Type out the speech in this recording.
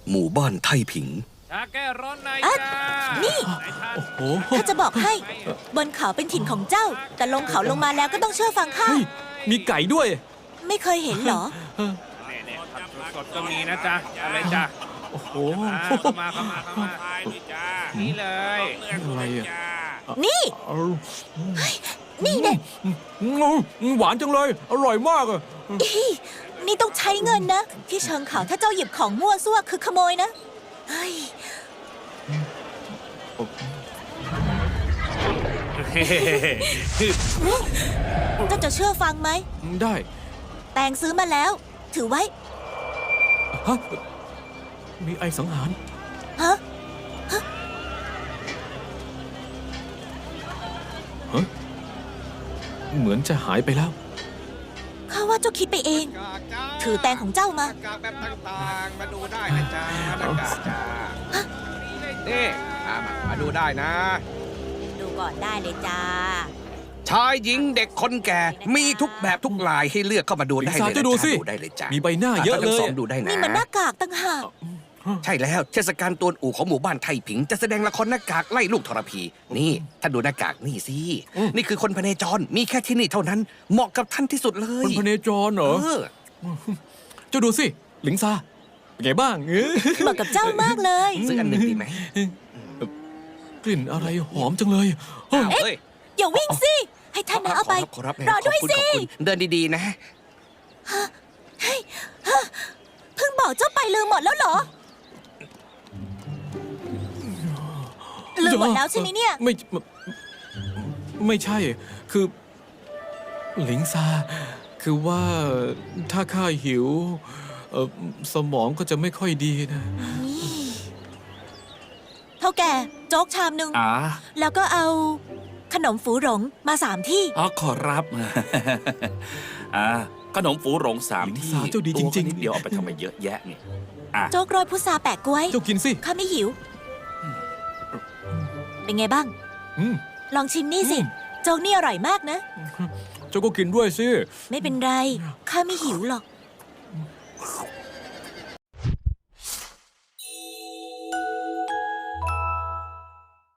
หมู่บ้านไทผิงชาแก้ร้อนในอ่ะจ้านี่โอ้โหข้าจะบอกให้ บนเขาเป็นถิ่นของเจ้า แต่ลงเขาลงมาแล้วก็ต้องเชื่อฟังข้าเฮ้ยมีไก่ด้วยไม่เคยเห็นเหรอเนี่ยผักสดๆก็มีนะจ๊ะอะไรจ๊ะโอ้โหเข้ามานี่เลยอะไรอ่ะนี่เอานี่เด็หวานจังเลย อร่อยมากอ่ะนี่ต้องใช้เงินนะ ที่เชิงเขาถ้าเจ้าหยิบของมั่วซั่วคือขโมยนะ เฮ้ย เจ้าจะเชื่อฟังไหมได้แตงซื้อมาแล้ว ถือไว้ฮะมีไอสังหารฮะเหมือนจะหายไปแล้วข้าว่าเจ้าคิดไปเอง ถือแตงของเจ้ามาหน้ากากแบบต่างๆ มาดูได้นะจ๊ะหน้ากากจ้านี่มาดูได้นะดูก่อนได้เลยจ้าชายหญิงเด็กคนแก่มีทุกแบบทุกลายให้เลือกเข้ามาดูได้ลิซ่าเลยจะดูสิดูได้เลยจ้ามีใบหน้าเยอะเลยทั้งสองดูได้นะนี่มันหน้ากากตั้งหากใช่แล้วเทศกาลตวนอู่ของหมู่บ้านไทผิงจะแสดงละครหน้ากากไล่ลูกทรพี นี่ท่านดูหน้ากากนี่สินี่คือคนพเนจรมีแค่ที่นี่เท่านั้น เหมาะกับท่านที่สุดเลยคนพเนจรเหรอเออเจ้าดูสิ หลิงซาเป็นไงบ้างเหมาะกับเจ้ามากเลยซื้ออันหนึ่งดีไหมกลิ่นอะไรหอมจังเลยเฮ้ยอ้าวเฮ้ยอย่าวิ่งสิ ให้ท่านนะเอาไปขอรับรอด้วยขบคุณสิขอบคุณเดินดีๆนะเพิ่งบอกเจ้าไปลืมหมดแล้วเหรอ ลืมหมดแล้วใช่ไหมเนี่ยไม่ใช่ คือ หลิงซา คือว่าถ้าข้าหิวสมองก็จะไม่ค่อยดีนะเท่าแก่โจ๊กชามหนึ่ง แล้วก็เอาขนมฝูหลงมา3 ที่อ๋อขอรับ ขนมฝูหลงสามหญิงที่สาวเจ้าดีจริงๆตัวนิดเดียวเอาไปทำไมเยอะแยะเนี่ยโจ๊กโรยพุทราแปะกล้วยเจ้ากินสิข้าไม่หิว เป็นไงบ้างอืมลองชิมนี่สิ โจ๊กนี่อร่อยมากนะเจ้าก็กินด้วยสิไม่เป็นไร ข้าไม่หิวหรอก